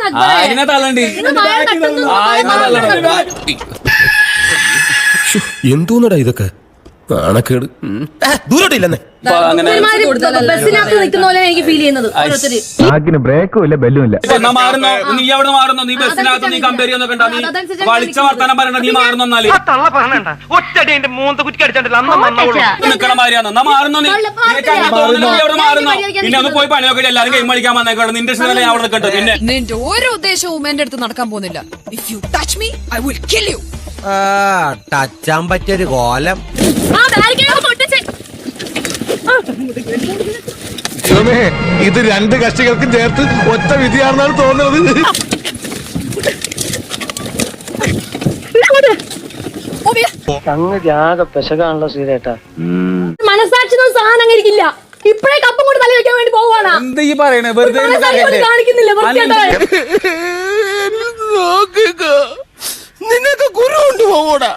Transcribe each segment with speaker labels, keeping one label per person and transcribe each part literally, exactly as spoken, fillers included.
Speaker 1: അതിനെ തള്ളണ്ടി
Speaker 2: എന്തോന്നടാ ഇതൊക്കെ നാണക്കേട് ദൂരോട്ടില്ലെന്നേ
Speaker 3: ബസ്സിനകത്ത് നിൽക്കുന്ന പോലെ എനിക്ക് ഫീൽ ചെയ്യുന്നത് ഓരോരുത്തര്
Speaker 4: ബ്രേക്കും ഇല്ല ബെല്ലും ഇല്ല.
Speaker 1: മാറുന്നോ നീ എവിടെ മാറുന്നോ നീ ബസ്സിനകത്ത് നീ കമ്പയർ ചെയ്യുന്നൊക്കെ ഉണ്ടാ നീ വളിച്ച വർത്താനം പറയണ്ട നീ മാറുന്നാല് നിക്കണ മാറിയാന്ന് എന്നാ മാറുന്നോ നീ നീ എവിടെ മാറുന്നോ പിന്നെ ഒന്ന് പോയി പണിയൊക്കെ എല്ലാരും ഗെയിം കളിക്കാൻ വന്നേക്കാണ് നിന്റെ ഇഷ്ടമല്ലേ അവിടെ നിൽക്കട്ടെ പിന്നെ
Speaker 5: നിന്റെ ഓരോ ഉദ്ദേശവും എന്റെ അടുത്ത് നടക്കാൻ പോകുന്നില്ല. If you touch me I will kill you.
Speaker 6: ടച്ചാൻ പറ്റിയൊരു കോലം.
Speaker 4: ഇത് രണ്ട് കക്ഷികൾക്കും ചേർത്ത് ഒറ്റ വിധിയാണെന്നാണ് തോന്നുന്നത്.
Speaker 7: ആകെ പെശകാണല്ലോ ശ്രീരേട്ടാ.
Speaker 3: മനസാക്ഷി സാധനം അങ്ങനെ ഇരിക്കില്ല. ഇപ്പഴേ കപ്പം കൊണ്ട് തല വെക്കാൻ വേണ്ടി പോവാണ്.
Speaker 1: എന്താ ഈ പറയണേ വെറുതെ
Speaker 3: കാണിക്കുന്നില്ല.
Speaker 2: നിനക്ക് ഗുരു ഉണ്ട് പോകൂടാ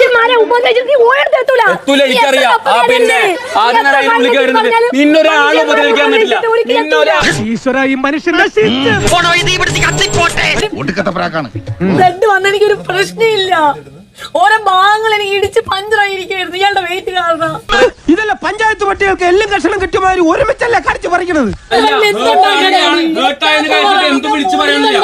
Speaker 1: നിന്നൊരാളും ഉപദ്രവിക്കാൻ പറ്റില്ല.
Speaker 3: ബ്ലഡ് വന്ന എനിക്കൊരു പ്രശ്നമില്ല. ഓരോ ഭാഗങ്ങൾ എനിക്ക് ഇടിച്ച് പഞ്ചറായിരിക്കുന്നു ഇയാളുടെ വെയിറ്റ് കാരണം.
Speaker 6: ഇതല്ല പഞ്ചായത്ത് പട്ടികൾക്ക് എല്ലാം കഷണം കിട്ടുമാതിരി ഒരുമിച്ചല്ല കടിച്ചു പറിക്കണത്.
Speaker 1: എന്ത് വിളിച്ചു പറയണില്ല.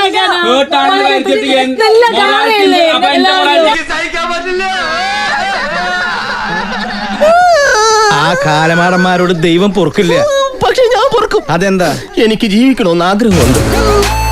Speaker 2: ആ കാലമാടന്മാരോട് ദൈവം പൊറുക്കില്ല. പക്ഷെ ഞാൻ പൊറുക്കും. അതെന്താ? എനിക്ക് ജീവിക്കണമെന്ന് ആഗ്രഹമുണ്ട്.